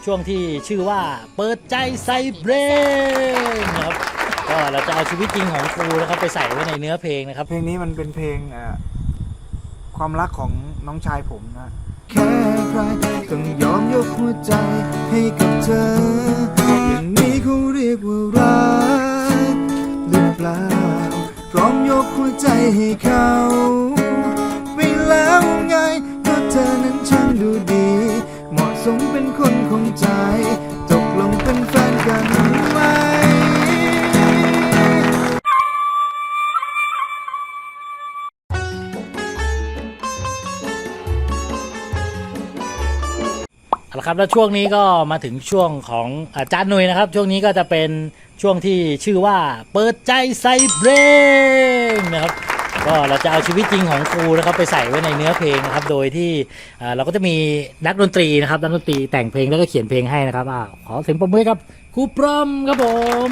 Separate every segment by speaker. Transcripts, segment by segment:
Speaker 1: ช่วงที่ชื่อว่าเปิดใจใส่เบรนนะครับก็เราจะเอาชีวิตจริงของครูนะครับไปใส่ไว้ในเนื้อเพลงนะครับ
Speaker 2: เพลงนี้มันเป็นเพลงความรักของน้องชายผมนะแค่ใครต้องยอมยกหัวใจให้กับเธออย่างนี้เขาเรียกว่ารักหรือเปล่าพร้อมยกหัวใจให้เขาไปแล้วไงก็เธอนั้นช่างดูดีเหมาะสมเป็นคนของใจตกลงเป็นแฟนกันไหม
Speaker 1: เอาละครับแล้วช่วงนี้ก็มาถึงช่วงของอาจารย์หนุ่ยนะครับช่วงนี้ก็จะเป็นช่วงที่ชื่อว่าเปิดใจใส่เบรนนะครับก็เราจะเอาชีวิตจริงของครูนะครับไปใส่ไว้ในเนื้อเพลงนะครับโดยที่เราก็จะมีนักดนตรีนะครับนักดนตรีแต่งเพลงแล้วก็เขียนเพลงให้นะครับขอเสียงปรบมือครับครูปรอมครับผม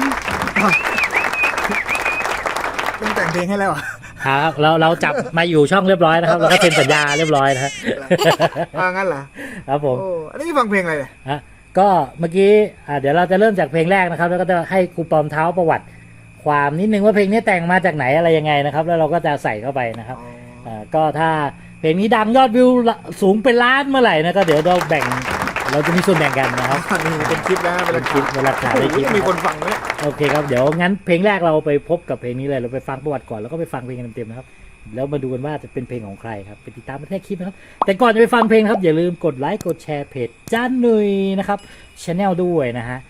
Speaker 2: ต้องแต่งเพลงให้แล้วอ่ะ
Speaker 1: ครับเราจับมาอยู่ช่องเรียบร้อยนะครับแล้วก็เซ็นสัญญาเรียบร้อยนะฮะ
Speaker 2: งั้นเหรอ
Speaker 1: ครับผม
Speaker 2: อันนี้ฟังเพลงอะไรเนี่ย
Speaker 1: ก็เมื่อกี้เดี๋ยวเราจะเริ่มจากเพลงแรกนะครับแล้วก็จะให้ครูปอมเท้าประวัติความนิดนึงว่าเพลงนี้แต่งมาจากไหนอะไรยังไงนะครับแล้วเราก็จะใส่เข้าไปนะครับก็ถ้าเพลงนี้ดังยอดวิวสูงเป็นล้านเมื่อไหร่นะก็เดี๋ยวเราจะมีส่วนแบ่งกันนะครับ
Speaker 2: นี่เป็นคลิปนะเป็น
Speaker 1: คลิปเวลาถ่ายคลิป
Speaker 2: มีคนฟังไหม
Speaker 1: โอเคครับเดี๋ยวงั้นเพลงแรกเราไปพบกับเพลงนี้เลยเราไปฟังประวัติก่อนแล้วก็ไปฟังเพลงกันเต็มๆนะครับแล้วมาดูกันว่าจะเป็นเพลงของใครครับไปติดตามในคลิปนะครับแต่ก่อนจะไปฟังเพลงครับอย่าลืมกดไลค์กดแชร์เพจจ้านหนุ่ยนะครับchannel ด้วยนะฮะ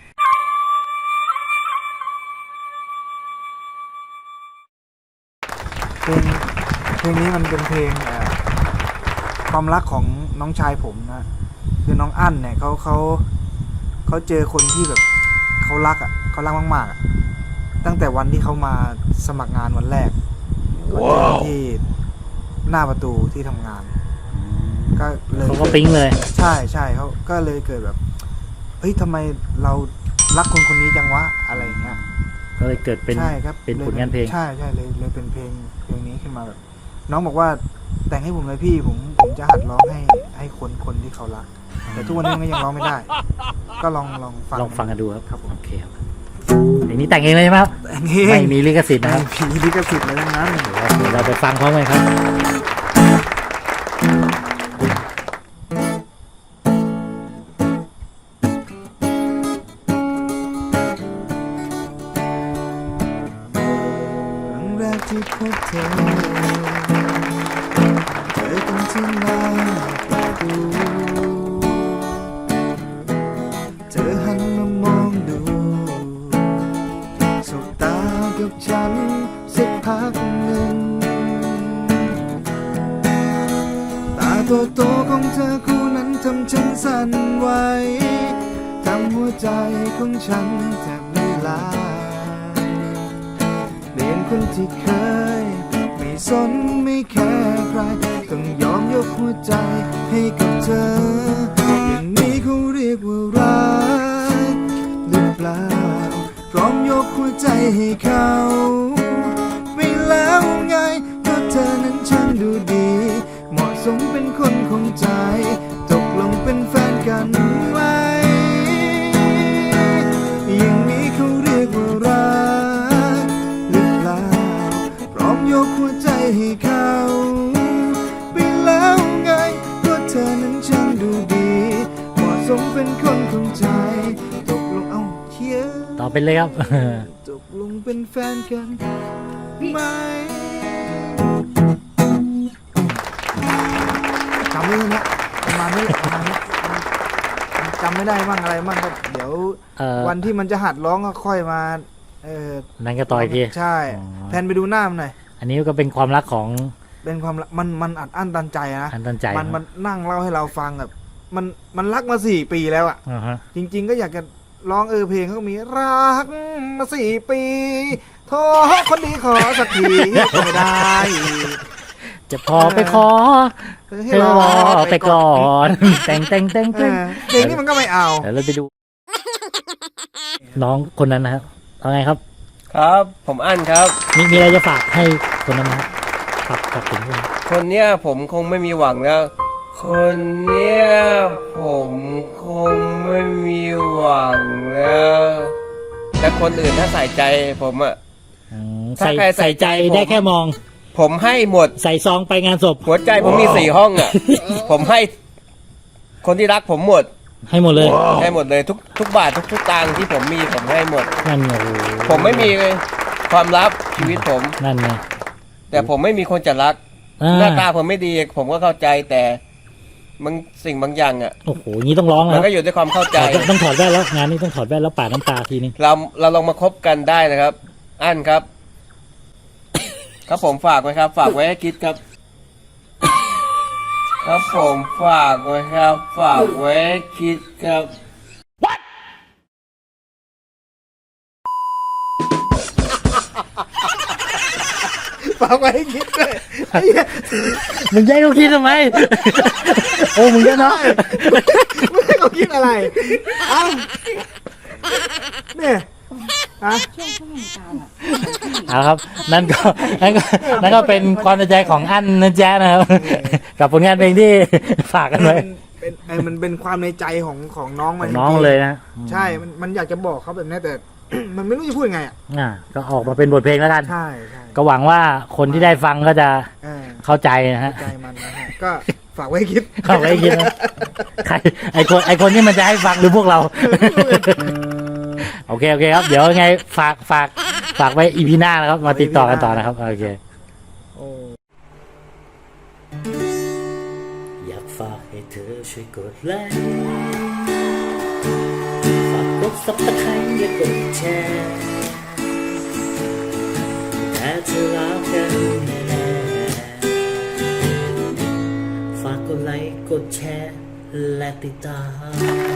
Speaker 2: เพลงนี้มันเป็นเพลงความรักของน้องชายผมนะคือน้องอั้นเนี่ยเขาเจอคนที่แบบเขารักเขารักมากๆตั้งแต่วันที่เขามาสมัครงานวันแรกก็เจอที่หน้าประตูที่ทำงานก็เลย
Speaker 1: เขาก็ปิ๊งเลย
Speaker 2: ใช่เขาก็เลยเกิดแบบเฮ้ยทำไมเรารักคนคนนี้จังวะอะไรอย่างเงี้ย
Speaker 1: ก็เลยเกิดเป็น
Speaker 2: ใช่ครับ
Speaker 1: เป็นผลงานเพลง
Speaker 2: ใช่เลยเป็นเพลงนี้ขึ้นมาแบบน้องบอกว่าแต่งให้ผมเลยพี่ผมจะหัดร้องให้คนที่เขารักแต่ทุกวันนี้มันยังร้องไม่ได้ก็ลอง
Speaker 1: ฟังกันดูครับโอเคครับเพลงนี้แต่งเองเลยใช่ไหมครับ
Speaker 2: แต่งเอง
Speaker 1: ไม่มีลิขสิทธิ์นะครับ
Speaker 2: มีลิขสิทธิ์อะไรทั้งนั้น
Speaker 1: เดี๋ยวเราไปฟังพร้อมกันครับ
Speaker 2: ที่พบเธอกันที่หน้าประตูเธอหันมามองดูสบตากับฉันสักพักหนึ่งตาโตๆของเธอคู่นั้นทำฉันสั่นไหวทำหัวใจของฉันแทบละลายเปลี่ยนคนที่เคยไม่สนไม่แคร์ใครต้องยอมยกหัวใจให้กับเธออย่างนี้เขาเรียกว่ารักหรือเปล่าพร้อมยกหัวใจให้เขาไปแล้วไงก็เธอนั้นช่างดูดีเหมาะสมเป็นคนของใจตกลงเป็นแฟนกันไหมอย่างนี้เขาเรียกว่ารักยกหัวใจให้เขาไปแล้วไงก็เธอนั้นช่างดูดีเหมาะสมเป็นคนของใจตกลงเชียร์
Speaker 1: ต่อเป็นเลยครับ
Speaker 2: ตกลงเป็นแฟนกันไหมจำไม่ได้เนี่ยประมาณนี้จำไม่ได้บ้างอะไรบ้างก็เดี๋ยววันที่มันจะหัดร้องก็ค่อยมา
Speaker 1: นั่นก็ต่อยที
Speaker 2: ใช่แพนไปดูหน้ามันหน่อย
Speaker 1: อันนี้ก็เป็นความรักของ
Speaker 2: เป็นความมันอัดอั้นตันใจนะ
Speaker 1: อัดตันใจ
Speaker 2: มันนั่งเล่าให้เราฟังแบบมันรักมา4 ปีแล้วอ่ะจริงๆก็อยากจะร้องเพลงเขาก็มีรักมา4 ปีโทรคนดีขอสักทีก็ไม่ได้
Speaker 1: จะพอไปขอให้รอไปก่อนแต่ง
Speaker 2: เพลงนี้มันก็ไม่เอา
Speaker 1: เดี๋ยวเราไปดูน้องคนนั้นนะครับเอาไงครับ
Speaker 3: ครับผมอั้นครับ
Speaker 1: มีอะไรจะฝากให้คนนั้นไหมฝากถึง
Speaker 3: คนเนี้ยผมคงไม่มีหวังแล้วคนเนี้ยผมคงไม่มีหวังแล้วแต่คนอื่นถ้าใส่ใจผมอะ ถ้า
Speaker 1: ใส่
Speaker 3: ใครใส่
Speaker 1: ใส่ใจ
Speaker 3: ใจผม
Speaker 1: ได้แค่มอง
Speaker 3: ผมให้หมด
Speaker 1: ใส่ซองไปงานศพ
Speaker 3: หัวใจผมมี4 ห้องอะผมให้คนที่รักผมหมด
Speaker 1: ให้หมดเลย
Speaker 3: ให้หมดเลยทุกบาททุกตังค์ที่ผมมีผมให้หมด
Speaker 1: นั่นไงโอ้โห
Speaker 3: ผมไม่มีความลับชีวิตผม
Speaker 1: นั่นไง
Speaker 3: แต่ผมไม่มีคนจะรัก หน้าตาผมไม่ดี ผมก็เข้าใจแต่มันสิ่งบางอย่างอ่ะ
Speaker 1: โอ้โหงี้ต้องร้อง
Speaker 3: มั
Speaker 1: แล้
Speaker 3: น
Speaker 1: ว
Speaker 3: ก็อยู่ด้วยความเข้าใจ
Speaker 1: ต้องถอดแว่นแล้วงานนี้ต้องถอดแว่นแล้วปาดน้ำตาทีนึง
Speaker 3: เราลองมาคบกันได้นะครับ อันครับ ครับผมฝากไว้ครับ ฝากไว้ให้คิดครับ ครับผมฝากไว้ครับ ฝากไว้ให้คิดครับ
Speaker 2: ฝากไว้ให้คิดด้วยไอ้เหี้ย
Speaker 1: มึงแย่งเขาคิดทำไม โอ้มึงก็เนาะ
Speaker 2: ไม่ให้เขาคิดอะไรเอ้าเนี่ยฮะ
Speaker 1: เอาครับนั่นก็เป็นความในใจของอั้นนะจ๊ะนะครับ กับผลงานเพลงที่ฝากกันไว้
Speaker 2: มันเป็นความในใจของน้องมัน
Speaker 1: น้องเลยนะ
Speaker 2: ใช่มันอยากจะบอกเขาแบบนี้แต่ มันไม่รู้จะพูดยังไงอ่ะ
Speaker 1: ก็ออกมาเป็นบทเพลงแล้วกัน
Speaker 2: ใช่
Speaker 1: ก็หวังว่าคนที่ได้ฟังก็จะ
Speaker 2: เออ
Speaker 1: เข้าใจนะฮะ
Speaker 2: ใจมันนะฮะก็ฝากไว้ให้คิด
Speaker 1: เข้าไว้คิดนะใครไอคนที่มันจะให้ฟังหรือพวกเรา โอเคครับ เดี๋ยวไงฝากไว้อีพีหน้านะครับ มาติดต่อกันต่อนะครับ โอเค
Speaker 2: โอ้
Speaker 1: อยากฝากให้เธอช่วยกดไลค์ฝากกดซับสไครต์และกดแชร์แต่เธอรักกันแน่ๆฝากกดไลค์กดแชร์และติดตาม